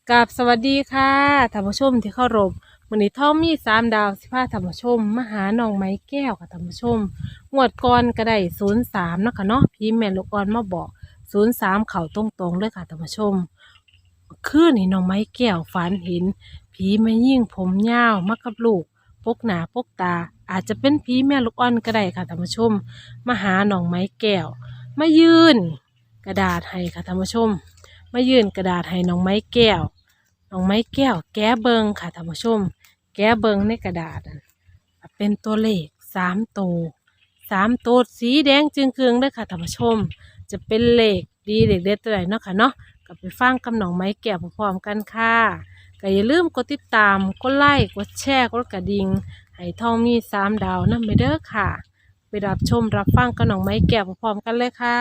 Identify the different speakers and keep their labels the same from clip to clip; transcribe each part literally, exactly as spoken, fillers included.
Speaker 1: กับสวัสดีค่ะท่านผู้ชมที่เคารพวันนี้ท่อมมีสามดาวสิพาท่านผู้ชมมาหาน้องไม้แก้วค่ะท่านผู้ชมงวดก่อนก็ได้ศูนย์สามเนาะค่ะเนาะพี่แม่ลูกอ่อนมาบอกศูนย์สามเข่าตรงๆเลยค่ะท่านผู้ชมคือนี่น้องไม้แก้วฝันเห็นผีมายิ่งผมยาวมากับลูกปกหนาปกตาอาจจะเป็นผีแม่ลูกอ่อนก็ได้ค่ะท่านผู้ชมมาหาน้องไม้แก้วมายืนกระดาษให้ค่ะท่านผู้ชม มายื่นกระดาษให้น้องไม้แก้ว น้องไม้แก้วแก้เบิงค่ะท่านผู้ชม แก้เบิงในกระดาษนั่นเป็นตัวเลขสามตัวสามตัวสีแดงจึงเคืองเด้อค่ะท่านผู้ชม จะเป็นเลขดีเลขเด็ดตัวไหนเนาะค่ะเนาะก็ไปฟังกับน้องไม้แก้วพร้อมๆกันค่ะก็อย่าลืมกดติดตามกดไลค์กดแชร์กดกระดิ่งให้ทองมีสามดาวนั่นไปเด้อค่ะ ไปรับชมรับฟังกับน้องไม้แก้วพร้อมๆกันเลยค่ะ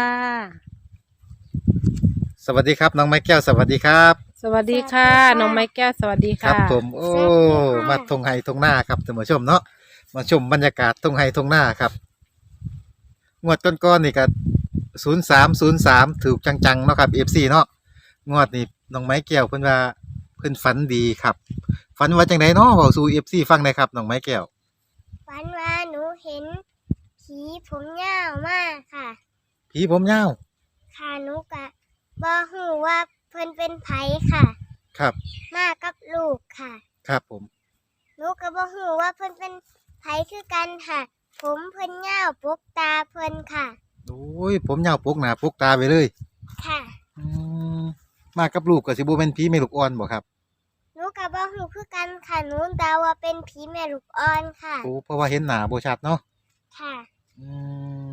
Speaker 2: สวัสดีครับน้องไม้แก้วสวัสดีครับ
Speaker 1: สวัสดีค่ะน้องไม้แก้วสวัสดี
Speaker 2: ครับ
Speaker 1: ค่ะ
Speaker 2: ผมโอ้มาทงไฮทงหน้าครับท่านผู้ชมเนาะมาชมบรรยากาศทงไฮทงหน้าครับงวดก้อนๆนี่ก็ศูนย์สามศูนย์สามถูกจังๆเนาะครับเอฟซีเนาะงวดนี้น้องไม้แก้วเพิ่นว่าเพิ่นฝันดีครับฝันว่าจังไดเนาะเว้าสู่เอฟซีฟังหน่อยครับน้องไม้แก้ว
Speaker 3: ฝันว่าหนูเห็นผีผมยาวมากค่ะ
Speaker 2: ผีผมยาว
Speaker 3: ค่ะหนูกะบ่ฮู้ว่าเพิ่นเป็นไผค่ะ
Speaker 2: ครับ
Speaker 3: มากับลูกค่ะ
Speaker 2: ครับผม
Speaker 3: หนูก็บ่ฮู้ว่าเพิ่นเป็นไผคือกันค่ะ ผมเพิ่นยาวปกตาเพิ่นค่ะ
Speaker 2: โอ้ยผมยาวปกหน้าปกตาไปเลย
Speaker 3: ค่ะ
Speaker 2: อืมมากับลูกก็สิบ่แม่นผีแม่ลูกอ่อนบ่ครับ
Speaker 3: หนูก็บ่ฮู้คือกันค่ะหนูเดาว่าเป็นผีแม่ลูกอ่อนค่ะ
Speaker 2: โอ้เพราะว่าเห็นหน้าบ่ชัดเนาะ
Speaker 3: ค่ะ
Speaker 2: อืม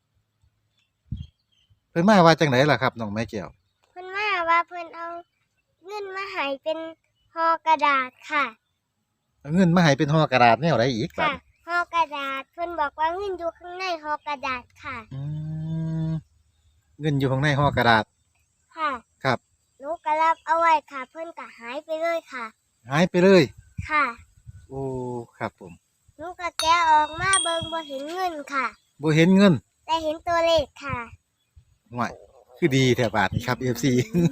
Speaker 2: เพิ่นมาว่าจังไดล่ะครับน้องไม้แก้ว
Speaker 3: เพิ่นมาว่าเพิ่นเอาเงินมาให้เป็นห่อกระดาษค่ะ
Speaker 2: เอาเงินมาให้เป็นห่อกระดาษแนวใดอีกบัด
Speaker 3: ค่ะห่อกระดาษเพิ่นบอกว่าเงินอยู่ข้างในห่อกระดาษค่ะ
Speaker 2: อืมเงินอยู่ข้างในห่อกระดาษ
Speaker 3: ค่ะ
Speaker 2: ครับ
Speaker 3: หนูก็รับเอาไว้ค่ะเพิ่นก็หายไปเลยค่ะ
Speaker 2: หายไปเลย
Speaker 3: ค่ะ
Speaker 2: โอ้ครับผม
Speaker 3: หนูก็แกะออกมาเบิ่งบ่เห็นเงินค่ะ
Speaker 2: บ่เห็นเงิน
Speaker 3: แต่เห็นตัวเลขค่ะ
Speaker 2: ห่วยคือดีแท้บาดนี้ครับ เอฟ ซี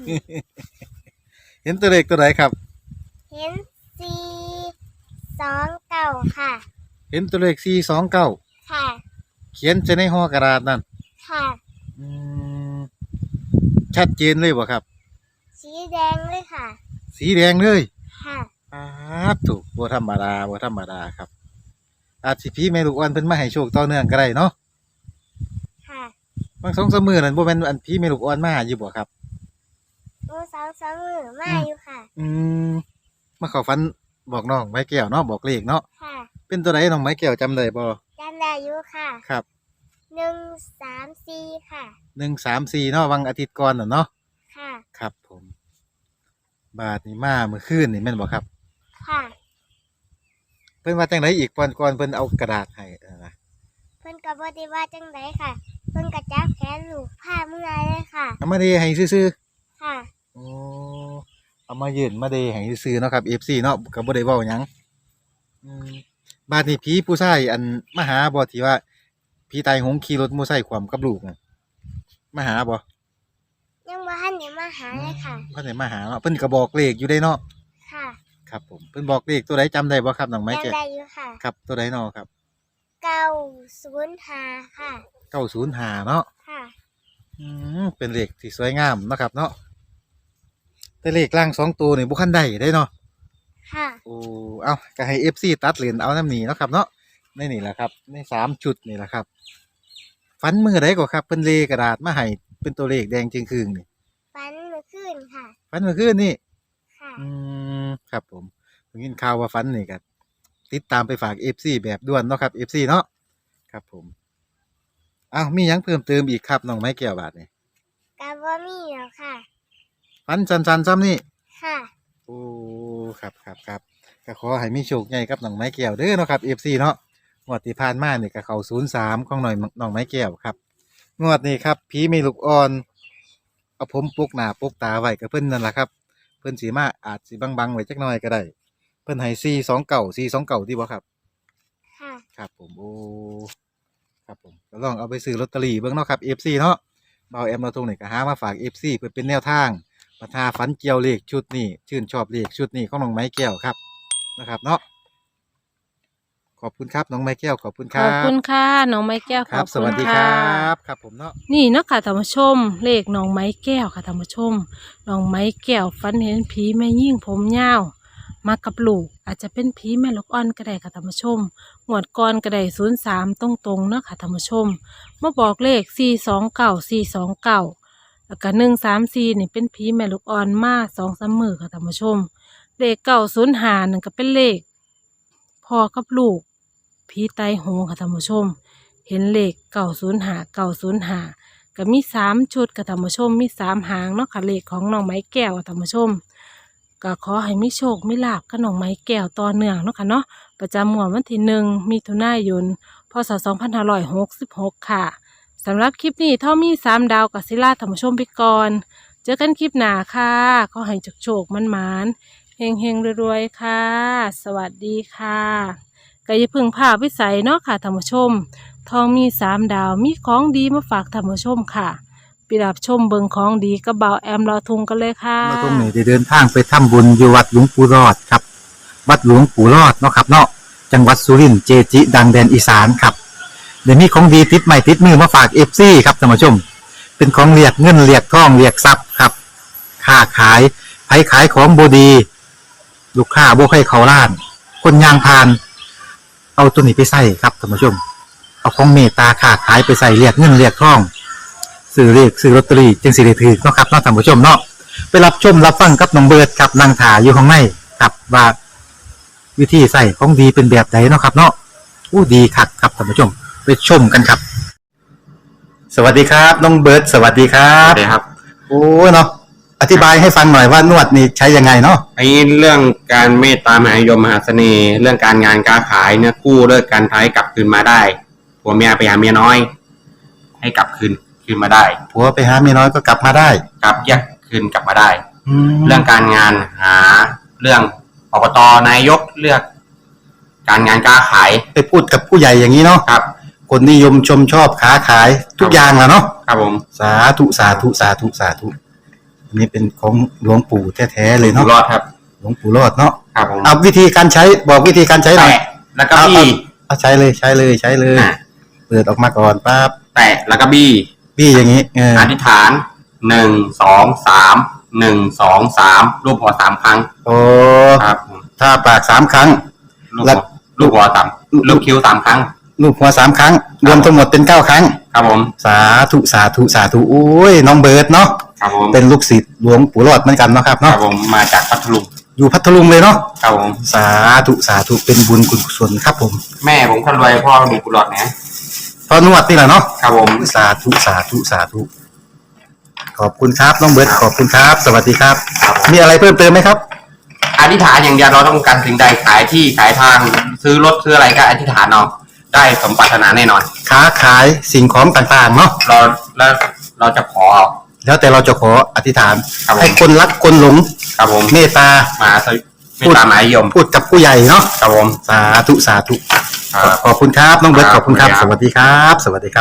Speaker 2: เห็นตัวเลขตัวใดครับ
Speaker 3: เห็นสี่สองเก้าค่ะ
Speaker 2: เห็นตัวเลขสี่สองเก้า
Speaker 3: ค่ะ
Speaker 2: เขียนจะในห่อกระดาษนั่น
Speaker 3: ค่ะ
Speaker 2: อืมชัดเจนเลยบ่ครับ
Speaker 3: สีแดงเลยค่ะ
Speaker 2: สีแดงเลย
Speaker 3: ค่ะ
Speaker 2: อาถูกบ่ธรรมดาบ่ธรรมดาครับอาจสิพี่แม่ลูกอ่อนเพิ่นมาให้โชคต่อเนื่องก็ได้เนาะ
Speaker 3: ค่ะ
Speaker 2: บางสองสามมื้อนั่นบ่แม่นอันพี่แม่ลูกอ่อนมาอยู่บ่ครับ
Speaker 3: หนูสองสามมือมาอยู่ค่ะ
Speaker 2: อืมมาเข้าฝันบอกน้องไม้แก้วเนาะบอกเลขเนาะ
Speaker 3: ค่ะ
Speaker 2: เป็นตัวใดน้องไม้แก้วจำได้บ่
Speaker 3: จำได้อยู่ค่ะ
Speaker 2: ครับ
Speaker 3: หนึ่งสามสี่ค่ะ
Speaker 2: หนึ่งสามสี่เนาะวันอาทิตย์ก่อนน่ะเนาะ
Speaker 3: ค่ะ
Speaker 2: ครับผมบาทนี่มาเมื่อคืนนี่แม่นบ่ครับ
Speaker 3: ค่ะ
Speaker 2: เพิ่นว่าจังไดอีกก่อนก่อนเพิ่นเอากระดาษให้นะ
Speaker 3: เพิ่นก็บ่ได้ว่าจังไดค่ะเพิ่นก็จับแขนลูกพาเมื่อยเลยค่ะ
Speaker 2: เอามาเดให้ซื่อ
Speaker 3: ๆค่ะ
Speaker 2: ๆโอ้เอามายื่นมาเดให้ซื่อๆเนาะครับ เอฟ ซี เนาะก็บ่ได้เว้าหยังอืมบาดนี้ผีผู้ชายอันมาหาบ่ที่ว่าผีตายโหงขี่รถมอไซค์คว่ำกับลูกน่ะมาหาบ่
Speaker 3: ยังบ่ทันได้มาหาเลยค่ะ
Speaker 2: เพิ่นได้มาหาเนาะเพิ่นก็บอกเลขอยู่ได้เนาะ
Speaker 3: ค่ะ
Speaker 2: ครับผมเพิ่นบอกเลขตัวใดจำได้บ่ครับน้องไม้แก้ว
Speaker 3: จำได้อยู่ค่ะ
Speaker 2: ครับตัวใดเนาะครับ
Speaker 3: เก้าศูนย์ห้าค่ะ
Speaker 2: เก้าศูนย์ห้าเนาะ
Speaker 3: ค่ะ
Speaker 2: อืมเป็นเลขที่สวยงามเนาะครับเนาะแต่เลขล่างสองตัวนี่บ่คันได้ได้เนาะ
Speaker 3: ค่ะ
Speaker 2: โอ้เอาก็ให้ เอฟ ซี ตัดเหรียญเอานำนี้เนาะครับเนาะในนี่แหละครับในสามชุดนี่แหละครับฝันมื้อใดก็ครับเพิ่นเลกระดาษมาให้เป็นตัวเลขแดงจึงครึ่งนี่
Speaker 3: ฝันเมื่อคืนค่ะ
Speaker 2: ฝันเมื่อคืนนี่
Speaker 3: ค่ะ
Speaker 2: อืมครับผมผมยินข่าวว่าฝันนี่ก็ติดตามไปฝาก เอฟ ซี แบบด่วนเนาะครับ เอฟ ซี เนาะครับผมอ้าวมีหยังเพิ่มเติมอีกครับน้องไม้แก้วบาดนี่
Speaker 3: ก็บ่มีแล้วค่ะ
Speaker 2: ฝันสั้นๆซ้ำนี่
Speaker 3: ค่ะ
Speaker 2: โอ้ครับครับครับก็ขอให้มีโชคใหญ่กับน้องไม้แก้วเด้อเนาะครับ เอฟ ซี เนาะงวดที่ผ่านมานี่ก็เข้าศูนย์สามของหน่อยน้องไม้แก้วครับงวดนี้ครับผีมีลูกอ่อนเอาผมปลุกหน้าปลุกตาไว้กับเพิ่นนั่นล่ะครับเพิ่นสีมาอาจสีบังๆไว้จักหน่อยก็ได้เพิ่นให้สี่สองเก่าสี่สองเก่าที่บ่ครับ
Speaker 3: ค่ะ
Speaker 2: ครับผมโอ้ครับผมก็ลองเอาไปซื้อลอตเตอรี่เบิ่งเนาะครับ เอฟ ซี เนาะเบาแอมเราตรงนี้ก็หามาฝาก เอฟ ซี เพื่อเป็นแนวทางปัญหาฝันเกี่ยวเลขชุดนี้ชื่นชอบเลขชุดนี้ของน้องไม้แก้วครับนะครับเนาะขอบคุณครับน้องไม้แก้วขอบคุณค
Speaker 1: ข
Speaker 2: รั
Speaker 1: อบบ คุณค่ะน้องไม้แก้ว
Speaker 2: ค
Speaker 1: ข
Speaker 2: รั
Speaker 1: อ
Speaker 2: บบ ส
Speaker 1: คุ
Speaker 2: วั
Speaker 1: ณ
Speaker 2: สดีค
Speaker 1: ค่ะ
Speaker 2: รับครับผมเนาะ
Speaker 1: นี่เนาะค่ะท่านผู้ชมเลขน้องไม้แก้วค่ะท่านผู้ชมน้องไม้แก้วฝันเห็นผีแม่ยิ่งผมยาวมากับลูกอาจจะเป็นผีแม่ลูกอ่อนก็ได้ค่ะท่านผู้ชมงวดก่อนก็ได้ศูนย์สามตรงตรงๆเนาะค่ะท่านผู้ชมมาบอกเลขสี่สองเก้าสี่สองเก้าแล้วก็หนึ่งสามสี่นี่เป็นผีแม่ลูกอ่อนมาสองสามมือค่ะท่านผู้ชมเลขเก้าศูนย์ห้านั่นก็เป็นเลขพ่อกับลูกผีตายโหงค่ะท่านผู้ชม เห็นเลขเก่าศูนย์หาเก่าศูนย์หาก็มีสามชุดค่ะท่านผู้ชมมีสามหางเนาะค่ะเลขของน้องไม้แก้วค่ะท่านผู้ชมก็ขอให้มีโชคมีลาภกับน้องไม้แก้วต่อเนื่องเนาะค่ะเนาะประจำงวดวันที่หนึ่งมิถุนายนพศสองพันห้าร้อยหกสิบหกค่ะสำหรับคลิปนี้เท่ามีสามดาวกับศิลาท่านผู้ชมไปก่อนเจอกันคลิปหน้าค่ะขอให้โชคๆมันมานๆเฮงเฮงๆรวยๆค่ะ สวัสดีค่ะก็อย่าเพึ่งพาวิสัยเนาะค่ะท่านผู้ชม ทองมีสามดาวมีของดีมาฝากท่านผู้ชมค่ะไปรับชมเบิงของดีกับเบาแอมรอทุงกันเลยค่ะ
Speaker 2: มาตรงนี้ได้เดินทางไปทำบุญอยู่วัดหลวงปู่รอดครับวัดหลวงปู่รอดเนาะครับเนาะจังหวัดสุรินทร์เจจิ ดังแดนอีสานครับเดี๋ยวนี้ของดีติดใหม่ติดมือมาฝากเอฟซีครับท่านผู้ชม เป็นของเรียกเงินเรียกทองเรียกทรัพย์ครับค้าขายไผขายของบดี ลูกค้าบ่ใครเขาล้าน คนยางพาน เอาตัวนี้ไปใส่ครับท่านผู้ชม เอาของเมตตาค้าขายไปใส่เรียกเงินเรียกทองซื้อเรียกซื้อลอตเตอรี่จึงสิได้ถือเนาะครับเนาะท่านผู้ชมเนาะไปรับชมรับฟังกับน้องเบิร์ดครับนางถาอยู่ข้างในครับว่าวิธีใส่ของดีเป็นแบบไหนเนาะครับ เนาะอู้ดีคักครับท่านผู้ชมไปชมกันครับ สวัสดีครับน้องเบิร์ดสวัสดีครั
Speaker 4: ครับ บเลยครับ
Speaker 2: โอ้เนาะอธิบายให้ฟังหน่อยว่านวดนี่ใช้ยังไงเนาะ
Speaker 4: ไอ้เรื่องการเมตตามหานิยมมหาเสน่ห์ เรื่องการงานการขายเนี่ยกู้เลิกการท้ายกลับคืนมาได้ผัวเมียไปหาเมียน้อย ให้กลับคืนคืนมาได้
Speaker 2: ผัวไปหาเมียน้อยก็กลับมาได้
Speaker 4: กลับแยกคืนกลับมาได้
Speaker 2: แล้
Speaker 4: เรื่
Speaker 2: ว
Speaker 4: องการงานหาเรื่องอบตนายกเลือก การงานการขาย
Speaker 2: ไปพูดกับผู้ใหญ่อย่างนี้เนาะ
Speaker 4: ครับ
Speaker 2: คนนิยมชมชอบค้าขายทุกอย่างแหละเนาะ
Speaker 4: ครับผม
Speaker 2: สาธุสาธุสาธุสาธุอันนี้เป็นของหลวงปู่แท้ๆเลย
Speaker 4: อยู่
Speaker 2: เนาะ
Speaker 4: รอดครับ
Speaker 2: หลวงปู่รอดเนาะ
Speaker 4: ครับผม
Speaker 2: เอาวิธีการใช้บอกวิธีการใช้หน่อย
Speaker 4: แตะแล้วก็บี้
Speaker 2: เอาใช้เลยใช้เลยใช้เลย
Speaker 4: อ่ะ
Speaker 2: เปิดออกมาก่อนปั๊บ
Speaker 4: แตะแล้วก็บี้
Speaker 2: พี่อย่างนี้เออ
Speaker 4: อธิษฐานหนึ่งสองสามหนึ่งสองสามรูปหัวสามครั้ง
Speaker 2: โอ้
Speaker 4: ครับผม
Speaker 2: ถ้าปากสามครั้ง
Speaker 4: ลูก
Speaker 2: แล้
Speaker 4: หั
Speaker 2: ว
Speaker 4: วลูกหัวสามลูกคิ้วสามครั้ง
Speaker 2: ลูกหัวสามครั้ง รวมทั้งหมดเป็นเก้าครั้ง
Speaker 4: ครับผม
Speaker 2: สาธุสาธุสาธุโอ้ยน้องเบิร์ดเนาะ
Speaker 4: ครับผม
Speaker 2: เป็นลูกศิษย์หลวงปู่รอดเหมือนกันเนาะครับ
Speaker 4: ครั
Speaker 2: เนาะ
Speaker 4: บผมมาจากพัทลุง
Speaker 2: อยู่พัทลุงเลยเนาะ
Speaker 4: ครับผม
Speaker 2: สาธุสาธุเป็นบุญกุศลครับผม
Speaker 4: แม่ผมคนรวยพ่อมีกุหลาบนะ
Speaker 2: พอนวดนี่แหละเนาะ
Speaker 4: ครับผม
Speaker 2: สาธุสาธุสาธุขอบคุณครับน้องเบิร์ดขอบคุณครับ สวัสดีครับ มีอะไรเพิ่มเติมไหมครับ
Speaker 4: อธิษฐานอย่างเดียวเราต้องการสิ่งใดขายที่ขายทางซื้อรถซื้ออะไรก็อธิษฐานเอาได้สมปรารถนาแน่นอน
Speaker 2: ค้าขายสิ่งของต่างๆเนาะ
Speaker 4: เราแล้วเราจะขอ
Speaker 2: แล้วแต่เราจะขออธิษฐาน
Speaker 4: ครับผม
Speaker 2: ให้คนรักคนหลง
Speaker 4: ครับผม
Speaker 2: เมตตา
Speaker 4: มาสวิไม่ตามหมายยม
Speaker 2: พูดกับผู้ใหญ่เนาะ
Speaker 4: ครับผม
Speaker 2: สาธุสาธุ
Speaker 4: ครับ
Speaker 2: ขอบคุณครับน้องเบิร์ต
Speaker 4: ค
Speaker 2: ข
Speaker 4: รับ
Speaker 2: อบคุณครับ
Speaker 4: ขอบ
Speaker 2: ส
Speaker 4: คุณครับ
Speaker 2: วัสดีครับ สวัสดีครับ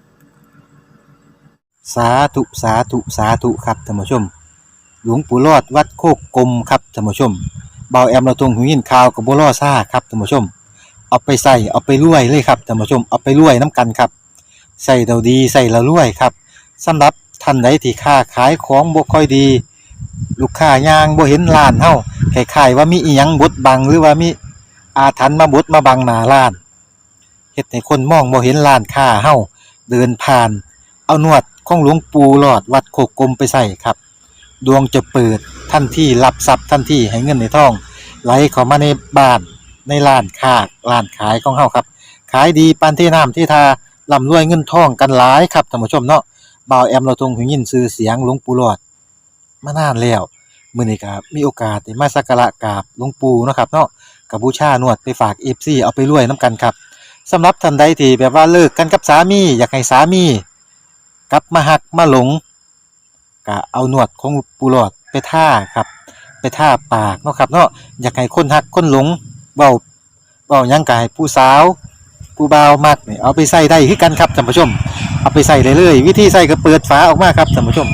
Speaker 2: สาธุสาธุสาธุครับท่านผู้ชม หลวงปู่รอดวัดโคกกลมครับท่านผู้ชมเบาแอมเราตรงหูยินข่าวกับบัวล่อซ่าครับท่านผู้ชม เอาไปใส่เอาไปรวยเลยครับท่านผู้ชมเอาไปรวยน้ำกันครับใส่เราดีใส่เรารวยครับสำหรับท่านใดที่ค้าขายของบ่ค่อยดี ลูกค้ายางบ่เห็นร้านเฮาคล้ายๆว่ามีอีหยังบดบังหรือว่ามีอาถรรพ์มาบดมาบังหน้าร้านเฮ็ดให้คนมองบ่เห็นร้านค้าเฮาเดินผ่าน เอานวดของหลวงปู่หลอดวัดโคกกลมไปใส่ครับดวงจะเปิดทันทีรับทรัพย์ทันทีให้เงินในท้องไหลเข้ามาในบ้านในร้านค้าร้านขายของเฮาครับขายดีปานที่น้ำที่ทาร่ำรวยเงินทองกันหลายครับท่านผู้ชมเนาะบ่าวแอมเราทรงหูยินชื่อเสียงหลวงปู่หลอดมานานแล้วมื้อนี้ก็มีโอกาสได้มาสักการะกราบหลวงปู่เนาะครับเนาะก็บูชานวดไปฝาก เอฟ ซี เอาไปรวยนํกันครับสำหรับท่านใดที่แบบว่าเลิกกันกับสามีอยากให้สามีกลับมาหักมาหลงก็เอานวดของปู่หลอดไปท่าครับไปท่าปากเนาะครับเนาะอยากให้คนหักคนหลงเว้าเว้าหยังก็ให้ผู้สาวผู้บ่าวมักนี่เอาไปใส่ได้คือกันครับท่านผู้ชมเอาไปใส่ได้เลยวิธีใส่ก็เปิดฝาออกมาครับท่านผู้ชมเปิ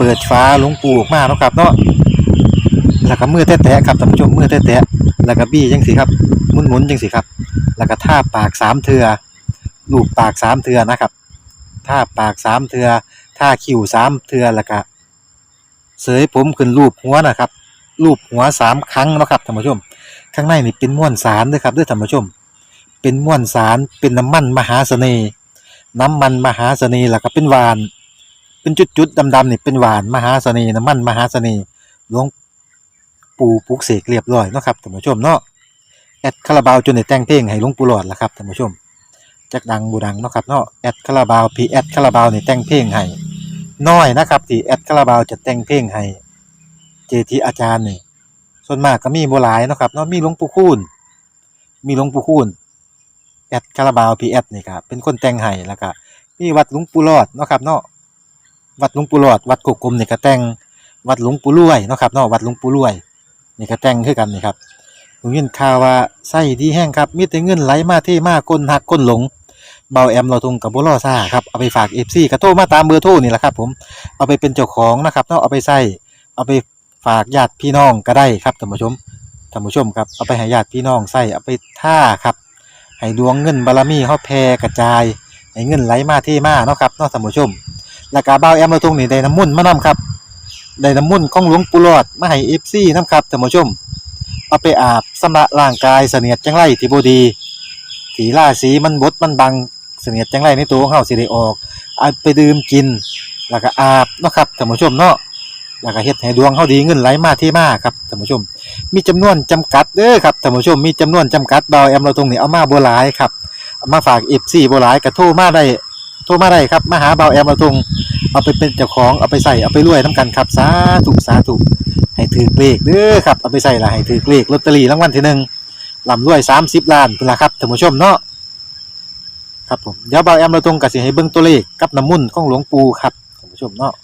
Speaker 2: ปิดฝาหลวงปู่ออกมาเนาะครับเนาะแล้วก็มือแตะๆครับท่านผู้ชมมือแตะๆแล้วก็บี้จังซี่ครับหมุนๆจังซี่ครับแล้วก็ทาปากสามเทื่อลูบปากสามเทื่อนะครับทาปากสามเทื่อทาคิ้วสามเทื่อแล้วก็เสยผมขึ้นรูปหัวนะครับรูปหัวสามครั้งเนาะครับท่านผู้ชมข้างในนี่เป็นม้วนสารเด้อครับเด้อท่านผู้ชมเป็นม้วนสารเป็นน้ำมันมหาเสน่ห์น้ำมันมหาเสน่ห์แล้วก็เป็นหวานเป็นจุดๆดำๆนี่เป็นหวานมหาเสน่ห์น้ำมันมหาเสน่ห์หลวงปู่ปลุกเสกเรียบร้อยเนาะครับท่านผู้ชมเนาะแอดคาราบาวจนได้แต่งเพลงให้หลวงปู่หลอดล่ะครับท่านผู้ชมจักดังบ่ดังเนาะครับเนาะแอดคาราบาวพีแอดคาราบาวนี่แต่งเพลงให้น้อยนะครับที่แอดคาราบาวจะแต่งเพลงให้เจทีอาจารย์นี่ส่วนมากก็มีบ่หลายเนาะครับเนาะมีหลวงปู่คูณมีหลวงปู่คูณแอดคาราบาวพีแอดนี่ครับเป็นคนแต่งให้แล้วก็มีวัดหลวงปู่หลอดเนาะครับเนาะวัดหลวงปู่หลอดวัดกกกลมนี่ก็แต่งวัดหลวงปู่รวยเนาะครับเนาะวัดหลวงปู่รวยนี่ก็แต่งคือกันนี่ครับผมยินข่าวว่าไส้ดีแห้งครับมีแต่เงินไหลมาเทมาคนหักคนหลงเบาแอมเราทงกับบ่รอซ่าครับเอาไปฝาก เอฟ ซี ก็โทรมาตามเบอร์โทรนี่แหละครับผมเอาไปเป็นเจ้าของนะครับเนาะเอาไปใส่เอาไปฝากญาติพี่น้องก็ได้ครับท่านผู้ชมท่านผู้ชมครับเอาไปให้ญาติพี่น้องใส่เอาไปท่าครับให้ดวงเงินบารมีเฮาแผ่กระจายให้เงินไหลมาเทมาเนาะครับเนาะท่านผู้ชมแล้วก็เบาแอมเราทงนี่ได้น้ำมนต์มานํครับได้น้ำมนต์ของหลวงปู่หลอดมาให้ เอฟ ซี นํครับท่านผู้ชมเอาไปอาบสำระร่างกายเสนียดจังไรที่บ่ดีที่ราศีมันบดมันบังเสนียดจังไรในตัวของเฮาสิได้ออกเอาไปดื่มกินแล้วก็อาบเนาะครับท่านผู้ชมเนาะแล้วก็เฮ็ดให้ดวงเฮาดีเงินไหลมาเทมาครับท่านผู้ชมมีจำนวนจำกัดเด้อครับท่านผู้ชมมีจำนวนจำกัดเบาแอมเราตรงนี้เอามาบ่หลายครับเอามาฝาก เอฟ ซี บ่หลายก็โทรมาได้โทรมาได้ครับมาหาเบาแอมเราตรงเอาไปเป็นเจ้าของเอาไปใส่เอาไปรวยนํกันครับสาธุสาธุให้ถือเลขเด้อครับเอาไปใส่ละให้ถือเลขลอตเตอรี่รางวัลที่หนึ่งร่ำรวยสามสิบล้านพุ่นล่ะครับท่านผู้ชมเนาะครับผมเดี๋ยวเบาแอมเราตรงก็สิให้เบิ่งตัวเลขกับน้ำมนต์ของหลวงปู่ครับท่านผู้ชมเนาะ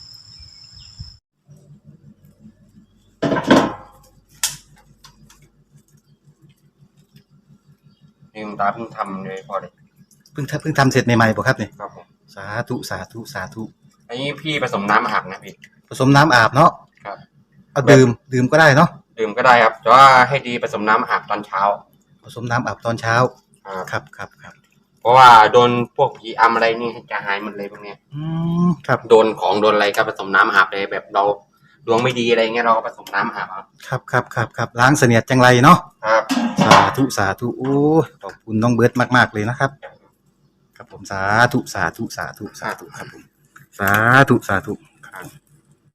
Speaker 4: นี่คุณตาเพิ่งทำเลยพอเลย
Speaker 2: เพิ่งทำเพิ่งทำเสร็จใหม่ๆบ่ครับนี่
Speaker 4: ครับผม
Speaker 2: สาธุสาธุสาธุ
Speaker 4: อันนี้พี่ผสมน้ำอาบนะพี่
Speaker 2: ผสมน้ำอาบเนาะ
Speaker 4: ครับ
Speaker 2: เอาดื่มดื่มก็ได้เนาะ
Speaker 4: ดื่มก็ได้ครับแต่ว่าให้ดีผสมน้ำอาบตอนเช้า
Speaker 2: ผสมน้ำอาบตอนเช้า
Speaker 4: ครับ
Speaker 2: ครับครับครับ
Speaker 4: เพราะว่าโดนพวกผีอำอะไรนี่จะหายหมดเลยพวกเนี้ย
Speaker 2: อืมครับ
Speaker 4: โดนของโดนอะไรก็ผสมน้ำอาบเลยแบบเราดวงไม่ดีอะไรเงี้ยเราก็ผสมน้ำอาบครับ
Speaker 2: ครับครับครับครับล้างเสนียดจังไรเนาะ
Speaker 4: ครับ
Speaker 2: สาธุสาธุโอ้ยขอบคุณน้องเบิร์ดมากๆเลยนะครับครับผมสาธุสาธุสาธุสาธุครับผมสาธุสาธุ
Speaker 4: ครับ